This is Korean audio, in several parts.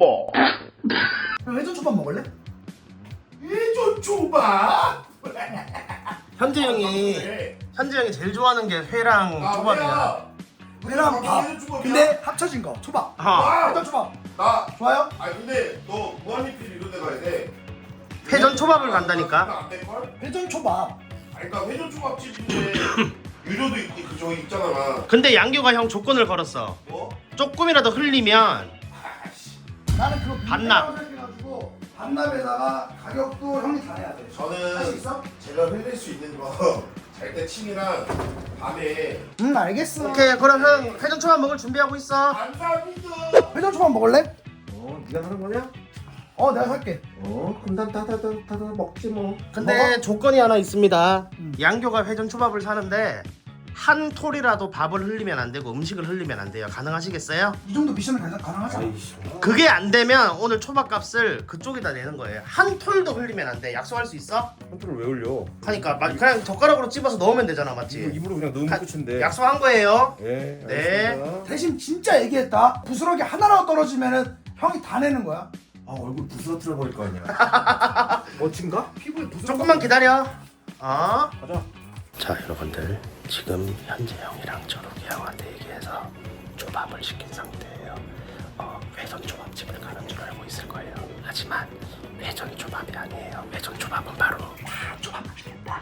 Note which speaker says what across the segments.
Speaker 1: 형 회전 초밥 먹을래? 회전 초밥?
Speaker 2: 현재 형이 제일 좋아하는 게 회랑 초밥이야.
Speaker 1: 회랑 밥. 근데 합쳐진 거 초밥. 회전 초밥.
Speaker 3: 나
Speaker 1: 좋아요?
Speaker 3: 아니 근데 너 무한리필 이런 데 가야 돼.
Speaker 2: 회전 초밥을 간다니까.
Speaker 3: 안 될걸?
Speaker 1: 회전 초밥.
Speaker 3: 아니 그러니까 회전 초밥집인데 유료도 그 저기 있잖아.
Speaker 2: 근데 양규가 형 조건을 걸었어.
Speaker 3: 뭐?
Speaker 2: 조금이라도 흘리면
Speaker 1: 나는 그거
Speaker 2: 반납.
Speaker 1: 생각해가지고 반납에다가 가격도 형이 다 내야 돼. 할 수 있어?
Speaker 3: 제가 흘릴 수 있는 거 잘 때 침이랑 밤에
Speaker 1: 알겠어.
Speaker 2: 오케이, 그럼 형 회전 초밥 먹을 준비하고 있어.
Speaker 3: 감사합니다.
Speaker 1: 회전 초밥 먹을래?
Speaker 3: 네가 사는 거냐?
Speaker 1: 내가 살게.
Speaker 3: 그럼 난 다 먹지 뭐.
Speaker 2: 근데 조건이 하나 있습니다. 양교가 회전 초밥을 사는데 한 톨이라도 밥을 흘리면 안 되고 음식을 흘리면 안 돼요. 가능하시겠어요?
Speaker 1: 이 정도 미션은 가능하지?
Speaker 2: 그게 안 되면 오늘 초밥 값을 그쪽에다 내는 거예요. 한 톨도 흘리면 안 돼. 약속할 수 있어?
Speaker 4: 컨트롤 왜 올려?
Speaker 2: 하니까 그냥 젓가락으로 찝어서 넣으면 되잖아, 맞지?
Speaker 4: 입으로 그냥 넣으면 끝인데.
Speaker 2: 약속한 거예요.
Speaker 4: 네.
Speaker 2: 네.
Speaker 4: 알겠습니다.
Speaker 1: 대신 진짜 얘기했다. 부스러기 하나라도 떨어지면은 형이 다 내는 거야.
Speaker 4: 얼굴 부스러뜨려 버릴 거 아니야. 멋진가?
Speaker 1: 피부에 부스러기.
Speaker 2: 조금만 기다려.
Speaker 4: 가자.
Speaker 2: 자, 여러분들 지금 현재 형이랑 저렇게 형한테 얘기해서 초밥을 시킨 상태예요. 회전 초밥집을 가는 줄 알고 있을 거예요. 하지만 회전 초밥이 아니에요. 회전 초밥은 바로 초밥 맛있겠다.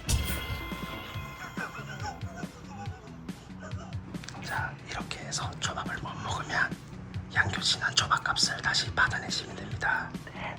Speaker 2: 자, 이렇게 해서 초밥을 못 먹으면 양교 지난 초밥 값을 다시 받아내시면 됩니다. 네.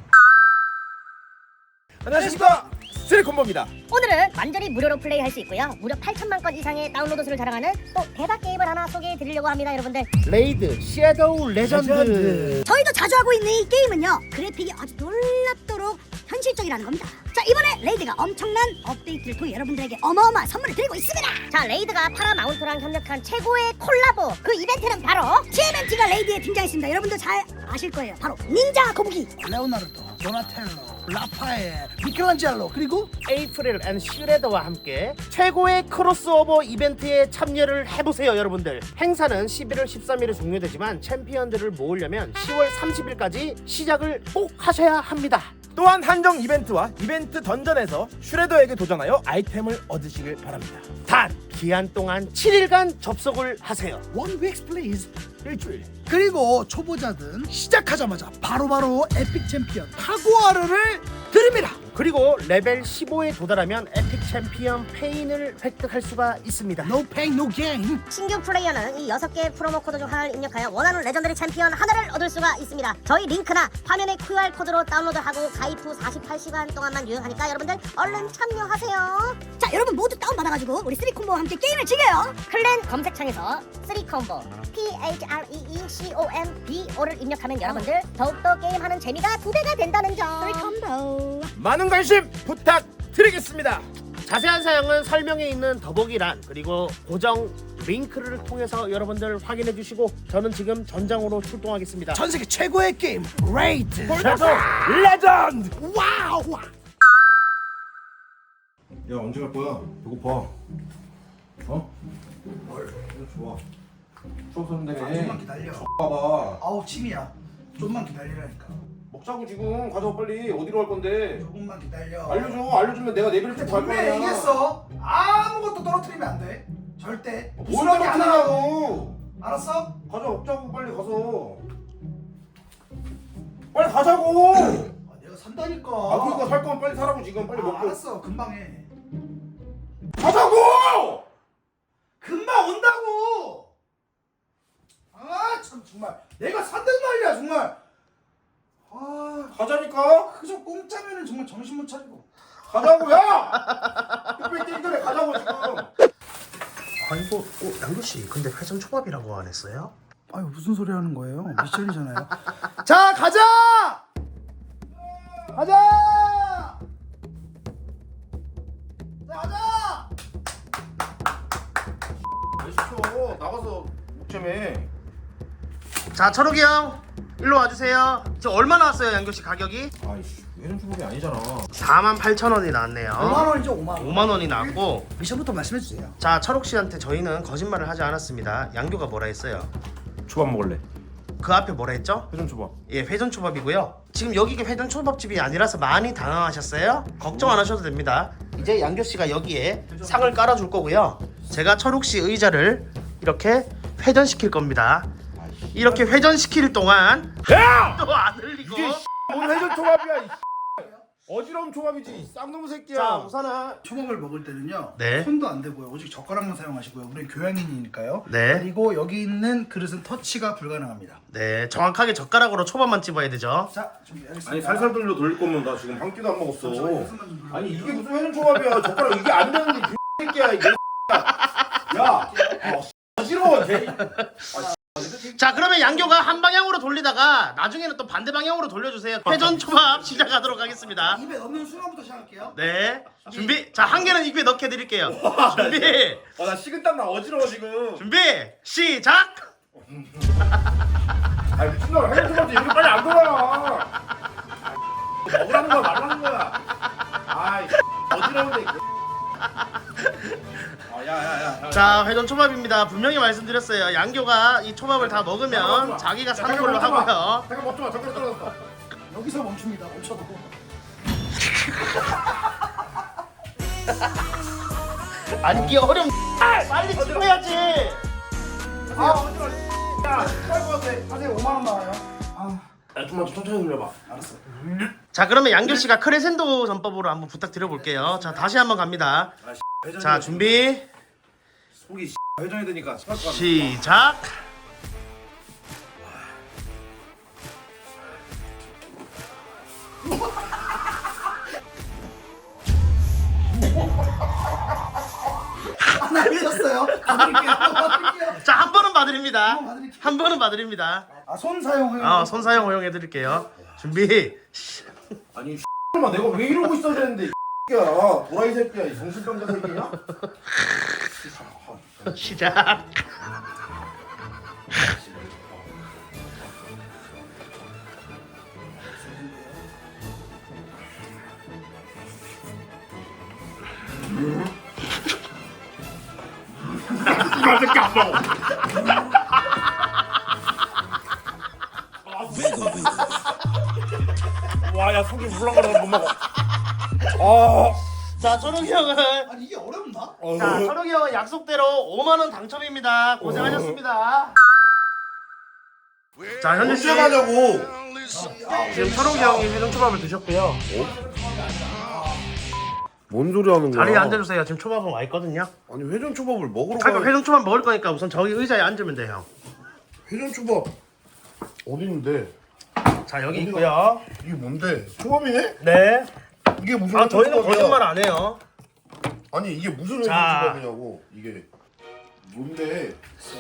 Speaker 4: 안녕하십니까. 스트레이콤보입니다.
Speaker 5: 오늘은 완전히 무료로 플레이할 수 있고요. 무려 8천만 건 이상의 다운로드 수를 자랑하는 또 대박 게임을 하나 소개해 드리려고 합니다, 여러분들.
Speaker 2: 레이드 섀도우 레전드.
Speaker 5: 저희도 자주 하고 있는 이 게임은요, 그래픽이 아주 놀랍도록 현실적이라는 겁니다. 자, 이번에 레이드가 엄청난 업데이트를 통해 여러분들에게 어마어마한 선물을 드리고 있습니다. 자, 레이드가 파라마운트랑 협력한 최고의 콜라보, 그 이벤트는 바로 TMNT가 레이드에 등장했습니다. 여러분들 잘 아실 거예요. 바로 닌자 거북이.
Speaker 1: 레오나르도, 도나텔로, 라파엘, 미켈란젤로, 그리고
Speaker 2: 에이프릴 앤 슈레더와 함께 최고의 크로스오버 이벤트에 참여를 해보세요, 여러분들. 행사는 11월 13일에 종료되지만 챔피언들을 모으려면 10월 30일까지 시작을 꼭 하셔야 합니다.
Speaker 4: 또한 한정 이벤트와 이벤트 던전에서 슈레더에게 도전하여 아이템을 얻으시길 바랍니다.
Speaker 2: 단 기한 동안 7일간 접속을 하세요.
Speaker 1: 원 윅스 플레이즈 일주일. 그리고 초보자든 시작하자마자 바로바로 에픽 챔피언 타고아르를 드립니다.
Speaker 2: 그리고 레벨 15에 도달하면 에픽 챔피언 페인을 획득할 수가 있습니다.
Speaker 1: No pain, no gain.
Speaker 5: 신규 플레이어는 이 6개의 프로모 코드 중 하나를 입력하여 원하는 레전더리 챔피언 하나를 얻을 수가 있습니다. 저희 링크나 화면의 QR 코드로 다운로드하고 가입 후 48시간 동안만 유효하니까 여러분들 얼른 참여하세요. 자, 여러분 모두 다운받아가지고 우리 3콤보와 함께 게임을 즐겨요. 클랜 검색창에서 3콤보 THREECOMBO를 입력하면 여러분들 더욱더 게임하는 재미가 2배가 된다는 점. 3콤보.
Speaker 4: 많은 관심 부탁드리겠습니다.
Speaker 2: 자세한 사항은 설명에 있는 더보기란 그리고 고정 링크를 통해서 여러분들 확인해 주시고 저는 지금 전장으로 출동하겠습니다.
Speaker 1: 전 세계 최고의 게임 레이드.
Speaker 4: 슈레더 레전드.
Speaker 1: 와우.
Speaker 4: 야, 언제 갈 거야? 배고파. 좋아. 추억
Speaker 1: 좀만
Speaker 4: 선생님.
Speaker 1: 기다려.
Speaker 4: 봐봐.
Speaker 1: 아우 침이야. 좀만 기다리라니까.
Speaker 4: 먹자고 지금. 가자 빨리. 어디로 갈 건데?
Speaker 1: 조금만 기다려.
Speaker 4: 알려주면 내가 내비를 쭉 갈
Speaker 1: 분명히
Speaker 4: 거야.
Speaker 1: 얘기했어. 아무것도 떨어뜨리면 안 돼. 절대.
Speaker 4: 뭘
Speaker 1: 부스러기 하나라도.
Speaker 4: 하냐고.
Speaker 1: 알았어?
Speaker 4: 가자, 먹자고 빨리 가서. 빨리 가자고.
Speaker 1: 내가 산다니까.
Speaker 4: 그러니까 살 거면 빨리 사라고 지금 빨리 먹고.
Speaker 1: 알았어. 금방 해.
Speaker 4: 가자고.
Speaker 1: 금방 온다고. 참 정말 내가 산단 말이야 정말.
Speaker 4: 가자니까.
Speaker 1: 그저 공짜면은 정말 정신 못 차리고.
Speaker 4: 가자고 야. 뚝배기 뛰기 전에 가자고 지금.
Speaker 2: 아이고, 양도씨 근데 회전 초밥이라고 안 했어요?
Speaker 1: 아유 무슨 소리 하는 거예요? 미션이잖아요. 자 가자. 가자. 자 가자.
Speaker 4: 왜 시켜? 나가서 먹자매.
Speaker 2: 자, 철욱이 형 일로 와주세요. 저 얼마 나왔어요, 양교씨 가격이?
Speaker 4: 아이씨, 회전 초밥이 아니잖아.
Speaker 2: 48,000원이 나왔네요.
Speaker 1: 5만 원이죠 5만 원.
Speaker 2: 5만 원이 나왔고.
Speaker 1: 미션부터 말씀해 주세요.
Speaker 2: 자, 철욱 씨한테 저희는 거짓말을 하지 않았습니다. 양교가 뭐라 했어요?
Speaker 4: 초밥 먹을래.
Speaker 2: 그 앞에 뭐라 했죠?
Speaker 4: 회전초밥.
Speaker 2: 예, 회전초밥이고요. 지금 여기가 회전초밥집이 아니라서 많이 당황하셨어요? 걱정 안 하셔도 됩니다. 이제 양교 씨가 여기에 상을 깔아줄 거고요. 제가 철욱 씨 의자를 이렇게 회전시킬 겁니다. 이렇게 회전시킬 동안
Speaker 4: 야!
Speaker 2: 또 안 흘리고.
Speaker 4: 이게 뭔 회전초밥이야? 이 어지러운 초밥이지. 쌍놈 새끼야.
Speaker 2: 자, 우선은
Speaker 1: 초밥을 먹을 때는요.
Speaker 2: 네.
Speaker 1: 손도 안 대고요. 오직 젓가락만 사용하시고요. 우리는 교양인이니까요.
Speaker 2: 네.
Speaker 1: 그리고 여기 있는 그릇은 터치가 불가능합니다.
Speaker 2: 네, 정확하게 젓가락으로 초밥만 집어야 되죠.
Speaker 1: 자, 준비하겠습니다.
Speaker 4: 아니 살살 돌릴 거면 나 지금 한 끼도 안 먹었어.
Speaker 1: 잠시만요, 한숨만 좀 불러요.
Speaker 4: 아니 이게 무슨 회전초밥이야? 젓가락 이게 안 되는 게 새끼야 이게. 야, 어지러워. 개.
Speaker 2: 자, 그러면 양교가 한 방향으로 돌리다가 나중에는 또 반대 방향으로 돌려주세요. 회전초밥 시작하도록 하겠습니다.
Speaker 1: 입에 넣는 순간부터 시작할게요.
Speaker 2: 네, 준비. 자, 한 개는 입에 넣게 드릴게요. 준비,
Speaker 4: 나 식은땀 나 어지러워 지금.
Speaker 2: 준비, 시작.
Speaker 4: 아 미친놈아 회전초밥도 이렇게 빨리 안 돌아. 먹으라는 거야 말라는 거야. 아이 어지러운데. 야야야.
Speaker 2: 자, 회전초밥입니다. 분명히 말씀드렸어요. 양교가 이 초밥을 다 먹으면 자기가 사는 걸로 하고요.
Speaker 4: 잠깐 먹지 마. 젓가락 떨어졌어.
Speaker 1: 여기서 멈춥니다. 멈춰도.
Speaker 2: 아니, 이게 어려운. 빨리 찍어야지.
Speaker 4: 아 어지러워. 야 빨리 것 같아.
Speaker 1: 하세요. 5만 원 나와요. 아,
Speaker 4: 야 좀만 천천히 돌려봐.
Speaker 1: 알았어.
Speaker 2: 자, 그러면 양교 씨가 크레센도 전법으로 한번 부탁드려볼게요. 자, 다시 한번 갑니다. 자, 준비,
Speaker 4: 속이 회전이 되니까 스파크
Speaker 2: 시작.
Speaker 1: 하나 흘렸어요. 받을게요. 받을게요.
Speaker 2: 자, 한 번은 봐드립니다.
Speaker 1: 한번 봐드릴게요.
Speaker 2: 한 번은 봐드립니다.
Speaker 1: 아, 손 사용해요.
Speaker 2: 손 사용 허용해드릴게요. 준비,
Speaker 4: 아니 만 내가 왜 이러고 있어야 되는데 이 새끼야 도라이 새끼야 이 정신병자 새끼야.
Speaker 2: 시작.
Speaker 4: 이 새끼 안 먹어. 와야 속이 물렁거려서 못 먹어.
Speaker 2: 자, 철욱이 형은
Speaker 1: 아니, 이게 어렵나?
Speaker 2: 자, 철욱이 형은 약속대로 5만 원 당첨입니다. 고생하셨습니다. 자, 현재 씨
Speaker 3: 언제 가냐고.
Speaker 2: 지금 철욱이 형이 회전초밥을 드셨고요.
Speaker 3: 뭔 소리 하는 거야?
Speaker 2: 자리에 앉아주세요. 지금 초밥은 와 있거든요.
Speaker 3: 아니 회전초밥을 먹으러
Speaker 2: 그러니까
Speaker 3: 가.
Speaker 2: 회전초밥 먹을 거니까 우선 저기 의자에 앉으면 돼요.
Speaker 3: 회전초밥 어디 있는데?
Speaker 2: 자, 여기 있고요.
Speaker 3: 이게 뭔데? 초밥이네?
Speaker 2: 네.
Speaker 3: 이게 무슨
Speaker 2: 아, 저희는
Speaker 3: 회전초밥이야?
Speaker 2: 거짓말 안 해요.
Speaker 3: 아니 이게 무슨
Speaker 2: 자.
Speaker 3: 회전초밥이냐고. 이게 뭔데?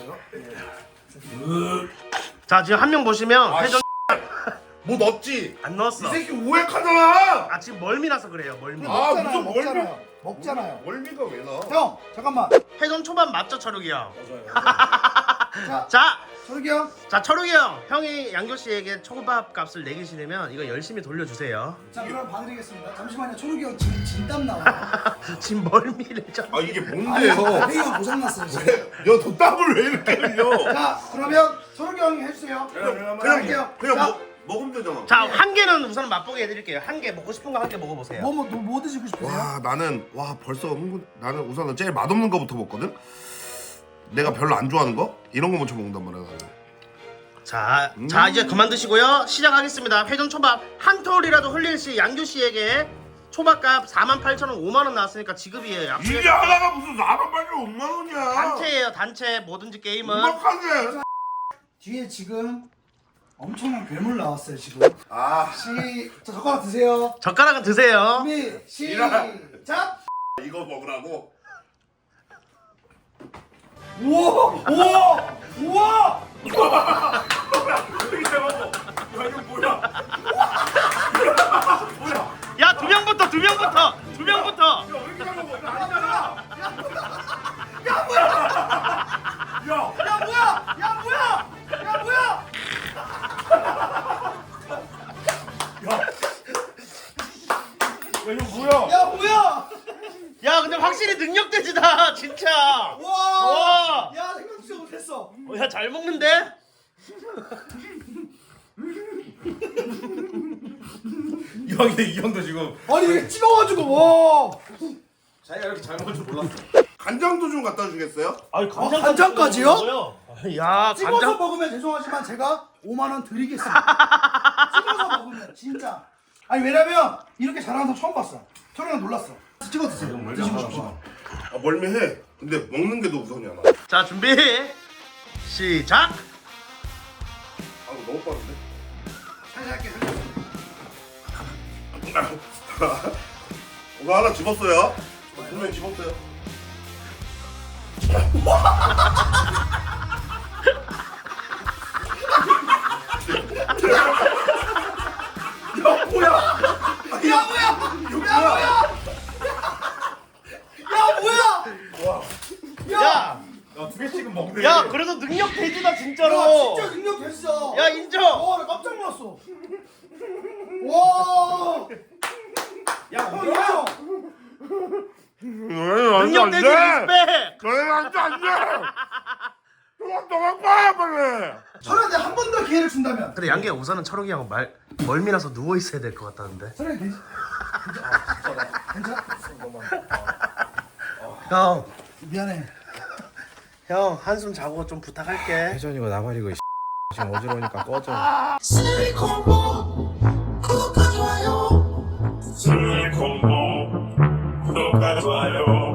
Speaker 2: 자, 지금 한 명 보시면 회전
Speaker 3: 뭐 넣었지?
Speaker 2: 안
Speaker 3: 이
Speaker 2: 넣었어.
Speaker 3: 새끼 오해하잖아.
Speaker 2: 아, 지금 멀미라서 그래요. 멀미.
Speaker 3: 아,
Speaker 1: 먹잖아요.
Speaker 3: 무슨
Speaker 1: 먹잖아요. 먹잖아요.
Speaker 3: 월미가 왜 나?
Speaker 1: 형, 잠깐만.
Speaker 2: 회전초밥 맞죠, 철욱이 형?
Speaker 1: 자,
Speaker 2: 자,
Speaker 1: 철욱이 형.
Speaker 2: 자, 철욱이 형. 형이 양교 씨에게 초밥 값을 내기시려면 이거 열심히 돌려주세요.
Speaker 1: 자, 그럼 봐드리겠습니다. 잠시만요. 철욱이 형 지금 진땀 나와요.
Speaker 2: 지금 멀미를 좀.
Speaker 3: 아 이게
Speaker 1: 아니,
Speaker 3: 뭔데요?
Speaker 1: 회의가 고장났어요, 지금.
Speaker 3: 야너 땀을 왜 이렇게 흘려?
Speaker 1: 자, 그러면 철욱이 형이 해주세요. 할게요.
Speaker 3: 그냥
Speaker 1: 자,
Speaker 3: 먹으면 되잖아.
Speaker 2: 자, 한 개는 우선 맛보게 해드릴게요. 한 개 먹고 싶은 거 한 개 먹어보세요.
Speaker 1: 뭐 드시고 싶으세요?
Speaker 3: 와 나는 벌써 나는 우선은 제일 맛없는 거부터 먹거든. 내가 별로 안 좋아하는 거 이런 거 먼저 먹는단 말이야 나는.
Speaker 2: 자, 자, 이제 그만 드시고요. 시작하겠습니다. 회전초밥 한 톨이라도 흘릴 시 양교 씨에게 초밥값 48,000원 5만 원 나왔으니까 지급이에요.
Speaker 3: 이게 하나가 무슨 4만 5만 원이야.
Speaker 2: 단체예요, 단체. 뭐든지 게임은.
Speaker 3: 음악하게.
Speaker 1: 뒤에 지금 엄청난 괴물 나왔어요, 지금.
Speaker 3: 아
Speaker 1: 자, 젓가락 드세요.
Speaker 2: 젓가락은 드세요.
Speaker 1: 준비, 시작!
Speaker 3: 이거 먹으라고.
Speaker 1: 우와! 우와! 우와!
Speaker 3: 이게 먹어. 야 이거 뭐야?
Speaker 2: 야, 두 명부터.
Speaker 3: 왜 이렇게 잘 먹어? 이거 아니잖아.
Speaker 1: 야, 뭐야!
Speaker 3: 야.
Speaker 1: 야, 뭐야! 야, 뭐야! 야, 뭐야!
Speaker 3: 이거 뭐야?
Speaker 1: 야, 뭐야!
Speaker 2: 야, 근데 확실히 능력돼지다, 진짜.
Speaker 1: 와!
Speaker 2: 와.
Speaker 1: 야, 생각 진짜 못했어.
Speaker 2: 야, 잘 먹는데?
Speaker 4: 이 형도 지금
Speaker 1: 아니 이게 찍어가지고 와.
Speaker 4: 자기가 이렇게 잘 먹을 줄 몰랐어.
Speaker 3: 간장도 좀 갖다 주겠어요?
Speaker 4: 아니
Speaker 1: 간장까지요?
Speaker 2: 야
Speaker 1: 찍어서
Speaker 2: 간장
Speaker 1: 먹으면 죄송하지만 제가 5만 원 드리겠습니다. 찍어서 먹으면 진짜. 아니 왜냐면 이렇게 잘하는 사람 처음 봤어. 저랑 놀랐어. 찍어 드세요. 드시고 싶으시면.
Speaker 3: 아 멀미해. 근데 먹는 게 더 우선이야 나.
Speaker 2: 자 준비 시작.
Speaker 3: 아 이거 너무 빠른데?
Speaker 1: 살살 할게. 살살.
Speaker 3: 이거 하나 집었어요. 분명히 집었어요. 야 뭐야?
Speaker 1: 야 뭐야? 야 뭐야?
Speaker 2: 야,
Speaker 4: 야두 개씩은 먹네.
Speaker 2: 야 그래도 능력 돼지다
Speaker 1: 야
Speaker 2: 진짜로.
Speaker 1: 진짜 능력 됐어.
Speaker 2: 야 인정.
Speaker 1: 나 깜짝 놀랐어. 와.
Speaker 4: 야
Speaker 1: 형.
Speaker 2: 능력 돼지 리스펙.
Speaker 3: 너희 안 돼. 도망 빨리.
Speaker 1: 설아 내가 한 번 더 기회를 준다면.
Speaker 2: 근데 양계 우선은 철욱이 형 멀미나서 누워 있어야 될 것 같다는데.
Speaker 1: 설아 되지? 괜찮아?
Speaker 2: 형,
Speaker 1: 미안해.
Speaker 2: 형 한숨 자고 좀 부탁할게.
Speaker 6: 회전이고 나발이고 지금 어지러우니까 꺼져.
Speaker 7: 실리콘보 구독과 좋아요.
Speaker 8: 슬리콘보 구독과 좋아요